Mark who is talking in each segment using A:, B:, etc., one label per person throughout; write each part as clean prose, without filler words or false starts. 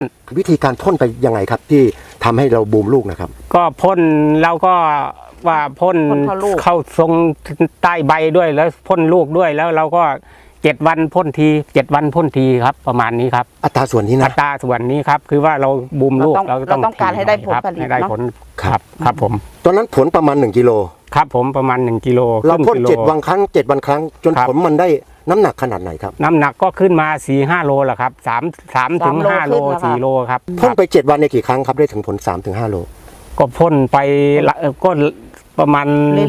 A: วิธีการพ่นไปยังไงครับที่ทำให้เราบูมลูกนะครับ
B: ก็พ่นเราก็ว่าพ่นเข้าทรงใต้ใบด้วยแล้วพ่นลูกด้วยแล้วเราก็7 วันพ่นที7 วันพ่นทีครับประมาณนี้ครับ
A: อัตราส่วนนี้นะ
B: อัตราส่วนนี้ครับคือว่าเราบูมลูกเรา
C: ต้องการให้ได้ผลผลิต
B: ให้ได้ผลครับผม
A: ตอนนั้นผลประมาณ1 กิโล
B: ครับผมประมาณ1 กิโล
A: เราพ่น7 วันครั้ง7 วันครั้งจนผลมันได้น้ำหนักขนาดไหนครับ
B: น้ำหนักก็ขึ้นมา 4-5 โลแหละครับ3 ถึง 5 โล 4 โลครับ
A: พ่นไป7 วันในกี่ครั้งครับได้ถึงผล3 ถึง 5 โล
B: ก็พ่นไปก็ประมาณ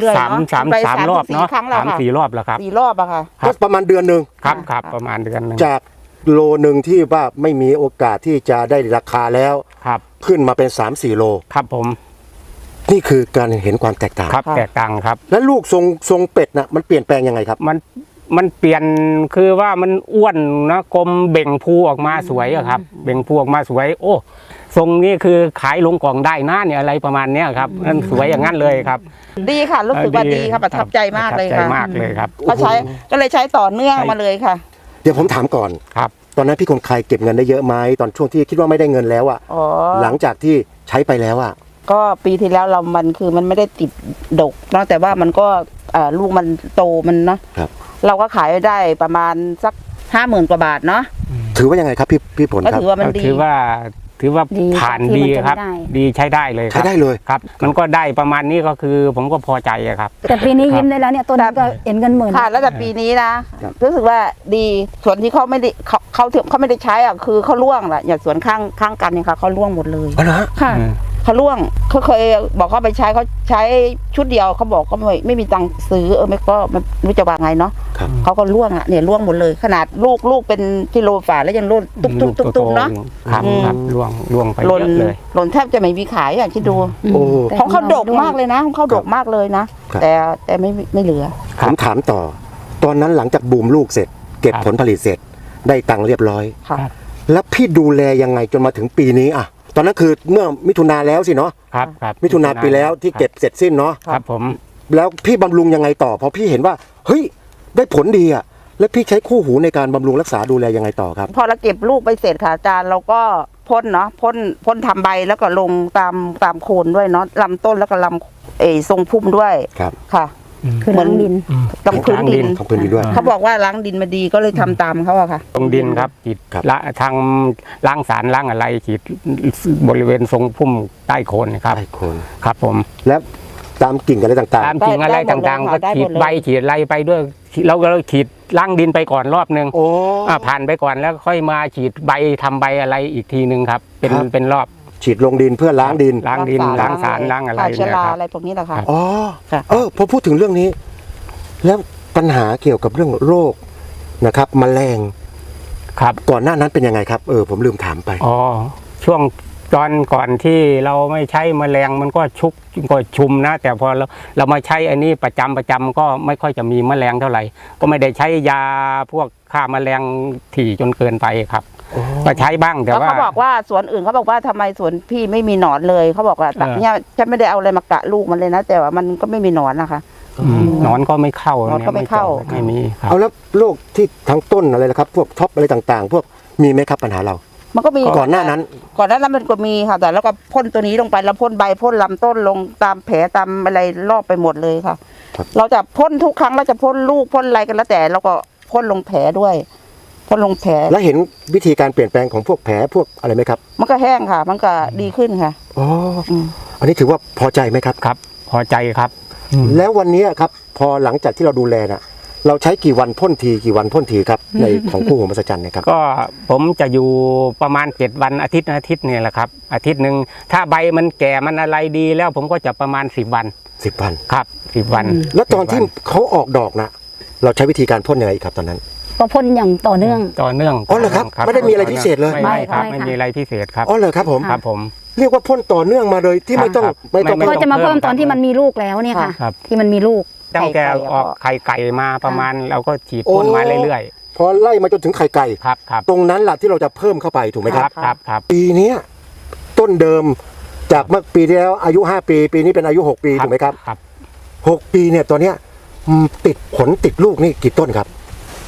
B: 3 รอบเนาะ3-4 รอบแล้วครับ
C: 4 รอบอะค่ะ
A: ก็ประมาณเดือนนึง
B: ครับประมาณเดือนนึง
A: จากโลนึงที่ว่าไม่มีโอกาสที่จะได้ราคาแล้ว
B: ครับ
A: ขึ้นมาเป็น3-4 โล
B: ครับผม
A: นี่คือการเห็นความแตกต่าง
B: ครับแตกต่างครับ
A: แล้วลูกทรงเป็ดนะมันเปลี่ยนแปลงยังไงครับ
B: มันเปลี่ยนคือว่ามันอ้วนนะกลมเบ่งพูออกมาสวยอะครับเบ่งพูออกมาสวยโอ้ทรงนี้คือขายลงกล่องได้นะเนี่ยอะไรประมาณเนี้ยครับมันสวยอย่างนั้นเลยครับ
C: ดีค่ะรู้สึกว่าดีค่ะประทับใจมากเลยค่ะ
B: มากเลยครับ
C: ก็เลยใช้ต่อเนื่องมาเลยค่ะ
A: เดี๋ยวผมถามก่อน
B: ครับ
A: ตอนนั้นพี่คนไข้เก็บเงินได้เยอะไหมตอนช่วงที่คิดว่าไม่ได้เงินแล้วอะหลังจากที่ใช้ไปแล้วอะ
C: ก็ปีที่แล้วมันไม่ได้ติดดกเนาะแต่ว่ามันก็ลูกมันโตมันเนาะเราก็ขายได้ประมาณสัก50,000 กว่าบาทเนาะ
A: ถือว่ายังไงครับพี่ผลครับ
C: ถือว่ามันดี
B: ถือว่าผ่านดีครับดีใช้ได้เลย
A: ใช้ได้เลย
B: ครับมันก็ได้ประมาณนี้ก็คือผมก็พอใจครับ
D: แต่ปีนี้ยิ้มได้แล้วเนี่ยต้นก็เห็นเงิน10,000
C: ค่ะแล้วแต่ปีนี้นะรู้สึกว่าดีส่วนที่เขาไม่ได้ใช้อ่ะคือเขาล่วงแหละอย่างสวนข้างกันเนี่ยค่ะเขาล่วงหมดเลยค่ะเขาล่วงเขาเคยบอกเขาไปใช้เขาใช้ชุดเดียวเขาบอกเขาไม่มีตังค์ซื้อไม่ก็ไม่รู้จะว่าไงเนาะเขาก็ล่วงอ่ะเนี่ยล่วงหมดเลยขนาดลูกเป็นกิโลฝ่าแล้วยังล่นตุ๊บเนาะ
B: ครับล่วงไปเยอะเลย
C: หล่นแทบจะไม่มีขายอย่างที่ดูของเขาดกมากเลยนะของเขาดกมากเลยนะแต่ไม่เหลือ
A: ผมถามต่อตอนนั้นหลังจากบูมลูกเสร็จเก็บผลผลิตเสร็จได้ตังค์เรียบร้อยแล้วพี่ดูแลยังไงจนมาถึงปีนี้อ่ะตอนนั้นคือเมื่อมิถุนาแล้วสิเนาะ
B: ครับ
A: มิถุนาปีแล้วที่เก็บเสร็จสิ้นเนาะ
B: ครับผม
A: แล้วพี่บำรุงยังไงต่อพอพี่เห็นว่าเฮ้ยได้ผลดีอ่ะแล้วพี่ใช้คู่หูในการบำรุงรักษาดูแลยังไงต่อครับ
C: พอเราเก็บลูกไปเสร็จค่ะอาจารย์เราก็พ่นเนาะพ่นทำใบแล้วก็ลงตามโคนด้วยเนาะลำต้นแล้วก็ลำทรงพุ่มด้วย
A: ครับ
C: ค่ะ
D: คือล้างดิน
C: ต้องพื้นดิน
A: ด้วย
C: เขาบอกว่าล้างดินมาดีก็เลยทำตามเขาอะค่ะ
B: ตรงดินครับฉีดละทางล้างสารล้างอะไรฉีดบริเวณทรงพุ่มใต้โคนครับ
A: ใต้โคน
B: ครับผม
A: แล้วตามกิ่งอะไรต่างๆ
B: ตามกิ่งอะไรต่างๆก็ฉีดใบฉีดอะไรไปด้วยเราก็ฉีดล้างดินไปก่อนรอบนึงผ่านไปก่อนแล้วค่อยมาฉีดใบทำใบอะไรอีกทีนึงครับเป็นรอบ
A: ฉีดลงดินเพื่อล้างดิน
B: ล้างสารล้างอะไร
C: เชื้อราอะไรพวกนี้แหละค่ะ
A: อ๋อพอพูดถึงเรื่องนี้แล้วปัญหาเกี่ยวกับเรื่องโรคนะครับแมลง
B: ครับ
A: ก่อนหน้านั้นเป็นยังไงครับผมลืมถามไป
B: ช่วงก่อนที่เราไม่ใช้แมลงมันก็ชุมนะแต่พอเรามาใช้อันนี้ประจำก็ไม่ค่อยจะมีแมลงเท่าไหร่ก็ไม่ได้ใช้ยาพวกฆ่าแมลงถี่จนเกินไปครับก็ใช้บ้างแต่ว่า
C: เขาบอกว่าสวนอื่นเขาบอกว่าทำไมสวนพี่ไม่มีหนอนเลยเขาบอกว่าเนี่ยฉันไม่ได้เอาอะไรมากะลูกมันเลยนะแต่ว่ามันก็ไม่มีหนอนนะคะ
B: หนอนก็ไม่เข้าไม่มี
A: เอาแล้วโรคที่ทั้งต้นอะไรนะครับพวกท็อปอะไรต่างๆพวกมีไหมครับปัญหาเรา
C: มันก็มี
A: ก่อนหน้านั้น
C: มันก็มีค่ะแต่แล้วก็พ่นตัวนี้ลงไปแล้วพ่นใบพ่นลำต้นลงตามแผลตามอะไรรอบไปหมดเลยค่ะเราจะพ่นทุกครั้งเราจะพ่นลูกพ่นอะไรกันแล้วแต่เราก็พ่นลงแผลด้วยพ่นลงแผล
A: แล้วเห็นวิธีการเปลี่ยนแปลงของพวกแผลพวกอะไรไหมครับ
C: มันก็แห้งค่ะมันก็ดีขึ้นค่ะ
A: อันนี้ถือว่าพอใจไหมครับ
B: ครับพอใจครับ
A: แล้ววันนี้ครับพอหลังจากที่เราดูแลน่ะเราใช้กี่วันพ่นทีครับในของคู่หูมหัศจรรย์นะครับ
B: ก็ผมจะอยู่ประมาณ7 วันอาทิตย์นี่แหละครับอาทิตย์นึงถ้าใบมันแก่มันอะไรดีแล้วผมก็จะประมาณ10 วันครับ10 วัน
A: แล้วตอนที่เขาออกดอกนะเราใช้วิธีการพ่นยังไงครับตอนนั้น
D: ก็พ่นอย่างต่อเนื่อง
A: อ๋อเหรอครับไม่ได้มีอะไรพิเศษเลย
B: ไม่ครับไม่มีอะไรพิเศษครับ
A: อ๋อเหรอครับผมเรียกว่าพ่นต่อเนื่องมาเลยที่ไม่ต้อง
D: ก็จะมาเพิ่มตอนที่มันมีลูกแล้วเนี่ยค่ะที่มันมีลูก
B: ตั้งแต่ออกไข่ไก่มาประมาณเราก็ฉีดพ่นมาเรื่อย
A: ๆพอไล่มาจนถึงไข่ไก่
B: ครับ
A: ตรงนั้นแหละที่เราจะเพิ่มเข้าไปถูกไหม
B: ครับ
A: ปีนี้ต้นเดิมจากเมื่อปีที่แล้วอายุ5 ปีปีนี้เป็นอายุ6 ปีถูกไหมครับ6 ปีเนี่ยตัวเนี้ยติดผลติดลูกนี่กี่ต้นครับ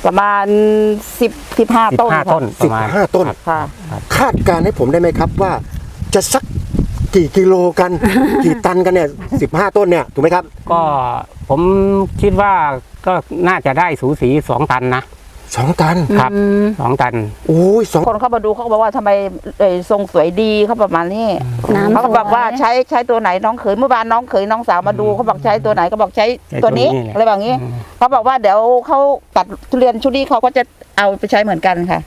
C: ประมาณ15 ต้น
B: 15 ต้นประมาณ
A: 15 ต้น
C: ค่ะ
A: คาดการณ์ให้ผมได้ไหมครับว่า จะสักกี่กิโลกัน กี่ตันกันเนี่ย15 ต้นเนี่ยถูกไหมครับ
B: ก็ผมคิดว่าก็น่าจะได้สูสี2 ตันนะ
A: 2 ตัน
B: ครับ 2 ตัน
A: โอ้ย2
C: คนเข้ามาดูเขาก็บอกว่าทำไมทรงสวยดีเขาประมาณนี้
D: น้ำ
C: เขาก็บอกว่าใช้ตัวไหนน้องเขยเมื่อวานน้องเขยน้องสาวมาดูเขาบอกใช้ตัวไหนก็บอกใช้ตัวนี้
B: ใช้ตัวนี้แหละ
C: อะไรแบบนี้เขาบอกว่าเดี๋ยวเขาตัดทุเรียนชุดนี้เขาก็จะเอาไปใช้เหมือนกันค่ะ